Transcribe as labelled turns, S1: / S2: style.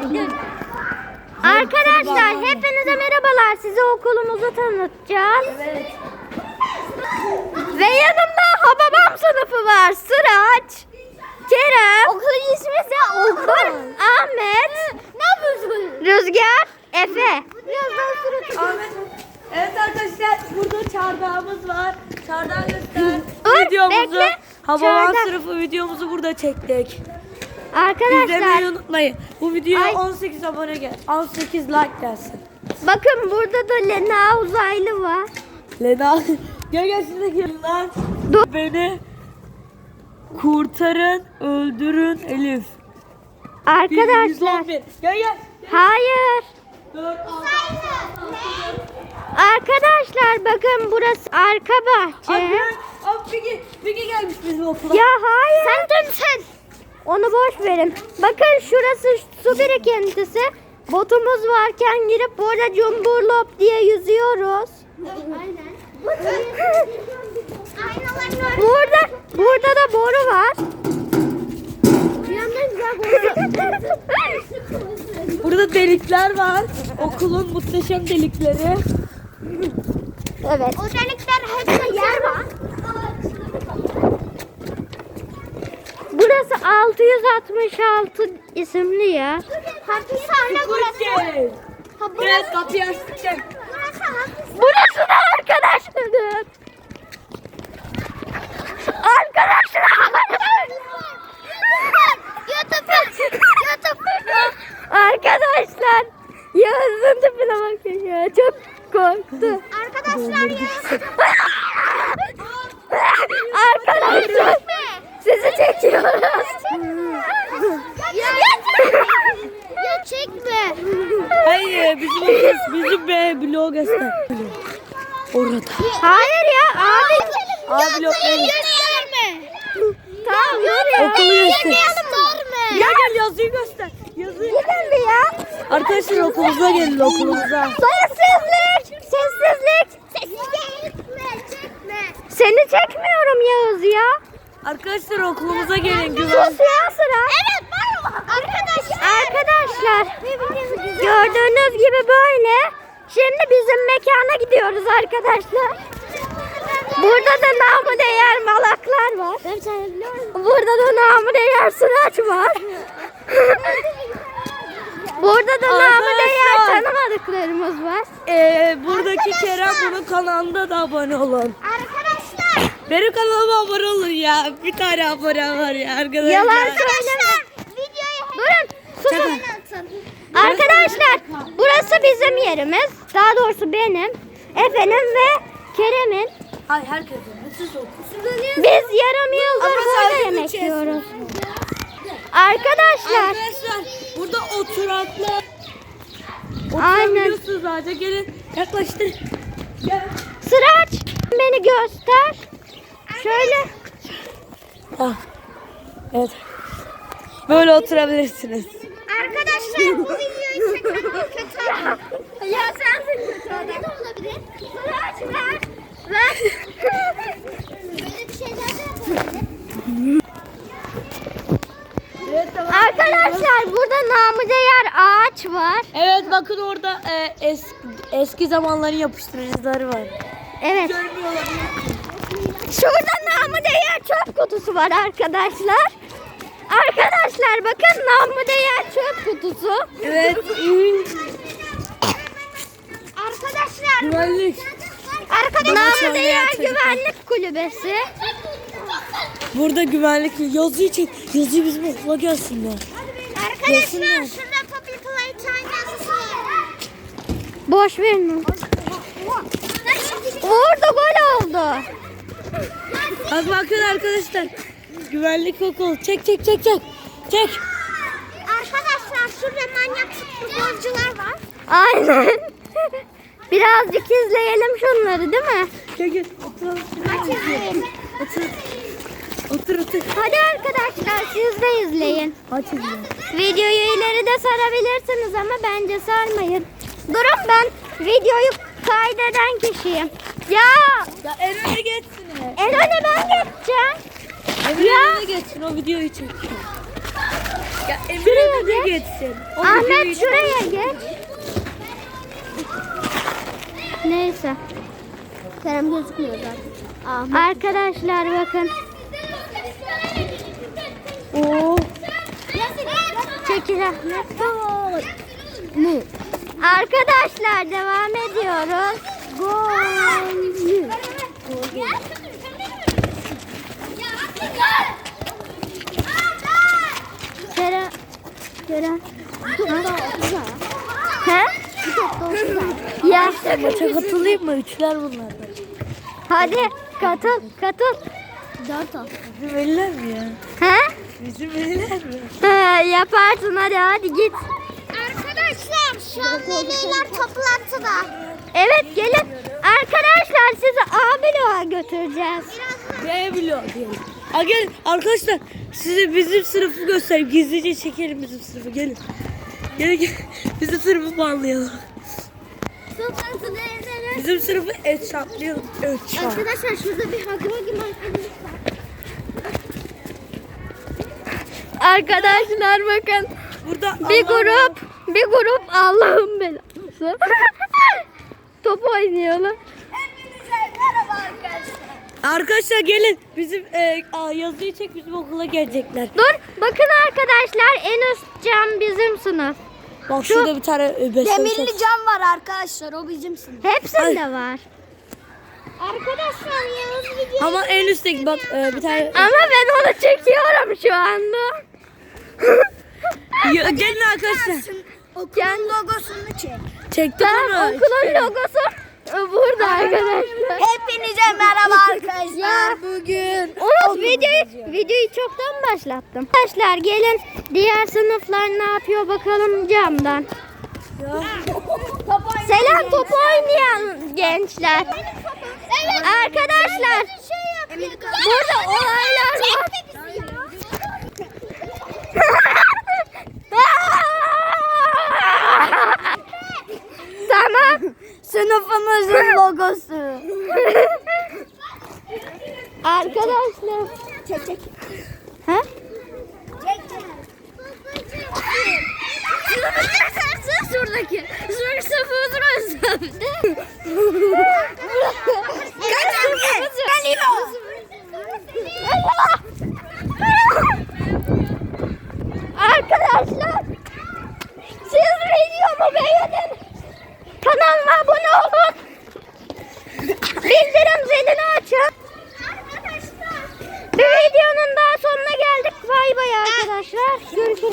S1: Arkadaşlar hepinize merhabalar. Size okulumuzu tanıtacağız.
S2: Evet.
S1: Ve yanımda Hababam sınıfı var. Sıraç, Kerem,
S2: Okulun ismi ise Okul.
S1: Ahmet,
S2: Ne yapıyorsun?
S1: Rüzgar, Efe.
S2: Birazdan suratı.
S3: Ahmet. Evet arkadaşlar burada çardağımız var. Çardağı göster.
S1: Dur,
S3: Videomuzu
S1: bekle.
S3: Hababam
S1: Çardak.
S3: sınıfı videomuzu burada çektik.
S1: Arkadaşlar
S3: İzlemeyi unutmayın. Bu videoya
S1: Ay.
S3: 18 abone gel. 18 like gelsin.
S1: bakın burada da Lena uzaylı var.
S3: Lena gel size gelin lan.
S1: Dur.
S3: Beni kurtarın, öldürün Elif.
S1: Arkadaşlar
S3: 111. Gel.
S1: hayır.
S3: 4 6
S1: Arkadaşlar bakın burası arka bahçe.
S3: Peki gelmiş bizim okula.
S1: Ya hayır. Sen. Onu boş verin. Bakın şurası su birikintisi. Botumuz varken girip burada cumburlop diye yüzüyoruz.
S2: Aynen.
S1: Burada da boru var.
S2: Bir yandan güzel
S3: Burada delikler var. Okulun muhteşem delikleri.
S1: Evet.
S2: O delikler hepsi yer var.
S1: Burası 666 isimli yer.
S2: Hapishane burası. Ha,
S3: Evet kapıyı açtık.
S2: Burası hapishane.
S1: Burası da arkadaşlar. Arkadaşlar Yağız'ın tipine bakın ya. Çok korktu.
S2: Arkadaşlar ya.
S1: Arkadaşlar sizi çekiyoruz.
S2: Ya çekme.
S3: Hayır bizim B blog göster. Orada.
S1: Hayır ya abi.
S3: A blok benim.
S2: Gösterme.
S1: Tamam yürü.
S3: Okulu göster.
S2: Gösterme.
S3: Gel yazıyı göster. Yazıyı.
S1: Gidin bir ya.
S3: Arkadaşlar okulumuza gelin okulumuza.
S1: Sessizlik. Sessizlik.
S2: Çekme.
S1: Seni çekmiyorum Yağız ya.
S3: Arkadaşlar okulumuza gelin güven.
S1: Sus ya sıra.
S2: Evet merhaba.
S1: Arkadaşlar gördüğünüz gibi böyle. Şimdi bizim mekana gidiyoruz arkadaşlar. Burada da namı değer malaklar var. Burada da namı değer sıraç var. Burada da namı değer
S3: Arkadaşlar.
S1: tanımadıklarımız var.
S3: Buradaki Kerem bunun kanalında da abone olun.
S2: Arkadaşlar.
S3: Benim kanalıma abone olun ya. Bir tane abone var ya arkadaşlar.
S1: Yalan söyleme.
S2: Arkadaşlar. Videoyu
S1: Durun. Susun.
S2: atın.
S1: Arkadaşlar burası bizim yerimiz. Daha doğrusu benim, Efe'nin ve Kerem'in.
S3: Ay herkesin. Siz olun.
S1: Biz yarım yıldır
S3: Ama
S1: burada
S3: sadece
S1: yemek
S3: üç
S1: yiyoruz. Arkadaşlar
S3: Arkadaşlar burada oturaklar.
S1: aynen.
S3: Oturabiliyorsunuz zaten. Gelin yaklaştır. Gel.
S1: Sıraç beni göster. Şöyle.
S3: Ah. Evet. Böyle oturabilirsiniz.
S2: Arkadaşlar bu videoyu çeken kötü adam. Ya sensin kötü adam. Ne olabilir?
S1: Sıraç ver.
S2: Böyle bir şeyler de yapabilir.
S3: Evet tamam.
S1: Arkadaşlar burada namı değer ağaç var.
S3: Evet bakın orada eski zamanların yapıştırıcıları var.
S1: Evet.
S3: Görmüyor olabilir.
S1: Şurada namı değer çöp kutusu var arkadaşlar. Arkadaşlar bakın namı değer çöp kutusu.
S3: Evet.
S2: Arkadaşlar.
S3: Güvenlik.
S1: Namı değer güvenlik kulübesi.
S3: Burada güvenlik yazıyı çek. Yazıyı bizim okula gelsinler.
S2: Arkadaşlar şurada Poppy Playtime yazısı var.
S1: Boş verin onu. Orada gol oldu.
S3: Bak bakın arkadaşlar. Güvenlik okul. Çek. Çek.
S2: Arkadaşlar şurada manyak futbolcular var.
S1: Aynen. Birazcık izleyelim şunları değil mi?
S3: Gel. Oturalım. Otur.
S1: Hadi arkadaşlar siz de izleyin.
S3: Aç izle.
S1: Videoyu ileride sarabilirsiniz ama bence sarmayın. Durun ben videoyu kaydeden kişiyim. Ya
S3: Ya en öne geçsin.
S1: en öne ben geçeceğim.
S3: En öne geçsin o videoyu çek. Ya
S1: Şuraya
S3: Emre
S1: geç.
S3: geçsin.
S1: Ahmet şuraya geç. Neyse.
S2: Kerem gözükmüyor zaten.
S1: Arkadaşlar bakın. Oo. Çekil Ahmet. Arkadaşlar devam ediyoruz. Gol. Kerem. Kerem. He? Ya.
S3: Maça katılayım mı? Üçler bunlardan.
S1: Hadi katıl katıl.
S2: 4 olsun.
S3: Bizim eller mi ya?
S1: He?
S3: Bizim eller mi?
S1: He, yaparsın hadi git.
S2: Arkadaşlar şu an veliler toplantıda.
S1: Evet gelin. Arkadaşlar sizi A bloğa götüreceğiz.
S3: B bloğu diyelim. Ha gelin arkadaşlar size bizim sınıfı göstereyim. Gizlice çekelim bizim sınıfı gelin. Gelin gelin. Bizim sınıfı bağlayalım.
S2: Toplantıda evlere.
S3: Bizim sınıfı eşatlayalım. Eşat.
S2: Arkadaşlar şurada bir Hagi gibi arkadaş var.
S1: Arkadaşlar bakın.
S3: Burada
S1: Bir grup Allah'ın belası. Top oynuyorlar.
S3: Arkadaşlar gelin. Bizim yazıyı çek bizim okula gelecekler.
S1: Dur bakın arkadaşlar en üst cam bizim sınıf.
S3: Bak şurada bir tane
S2: Demirli cam var arkadaşlar, o bizim sınıf.
S1: Hepsinde var.
S2: Arkadaşlar Yavuz video.
S3: Ama en üstteki bak bir tane.
S1: Ama ben onu çekiyorum şu anda.
S3: Gelin arkadaşlar.
S2: Okulun logosunu çek.
S3: Çektim
S1: Tamam,
S3: onu.
S1: okulun logosu burada arkadaşlar.
S2: Hepinize merhaba arkadaşlar.
S3: Bugün.
S1: Unut videoyu çoktan başlattım. Arkadaşlar gelin diğer sınıflar ne yapıyor bakalım camdan. Selam top oynayan gençler.
S2: Evet.
S1: Arkadaşlar burada olaylar var. Tamam.
S2: Sınıfımızın logosu.
S1: Arkadaşlar.
S2: Çek.
S1: Ha?
S2: Şuradaki. Şurası.
S1: Arkadaşlar siz videomu beğenin. Kanalıma abone olun. Bildirim zilini açın. Bir videonun daha sonuna geldik. Bay bay arkadaşlar. Görüşürüz.